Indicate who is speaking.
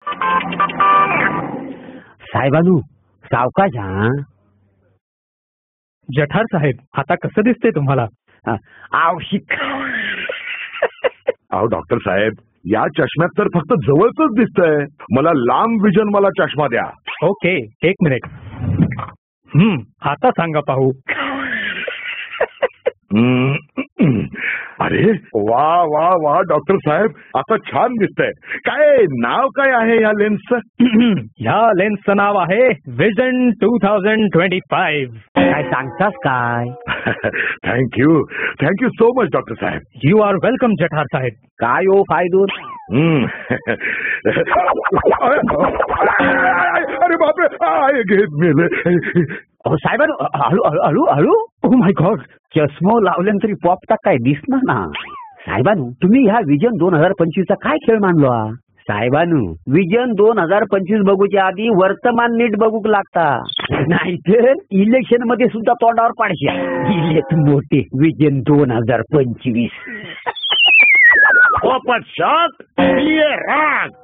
Speaker 1: साहेबानू सावकाश हा.
Speaker 2: जठार साहेब, आता कसं दिसतंय तुम्हाला?
Speaker 1: आवशिक.
Speaker 3: अहो डॉक्टर साहेब, या चष्म्यात तर फक्त जवळच दिसतंय. मला लांब विजन वाला चष्मा द्या.
Speaker 2: ओके, एक मिनिट. आता सांगा पाहू.
Speaker 3: अरे वा वा वा डॉक्टर साहेब, आता छान दिसतंय. काय नाव काय आहे या लेन्सचं?
Speaker 2: ह्या लेन्सचं नाव आहे विजन 2025.
Speaker 1: काय सांगतास काय?
Speaker 3: थँक्यू सो मच डॉक्टर साहेब.
Speaker 2: यू आर वेलकम जठार साहेब.
Speaker 1: काय हो फायदूर?
Speaker 3: अरे बापरे, घेत मेले.
Speaker 1: साहेबानू हळू हळू हळू हळू. ओ माय गॉड, चष्मा लावल्यानंतर तरी पॉपटा काय दिसणार ना. साहेबानू, तुम्ही ह्या विजन 2025 चा काय खेळ मानलो? साहेबानू, विजन 2025 बघूच्या आधी वर्तमान नीट बघूक लागता, नाहीतर इलेक्शन मध्ये सुद्धा तोंडावर पाडशा. इलेक्ट मोठे विजन 2025.
Speaker 3: राग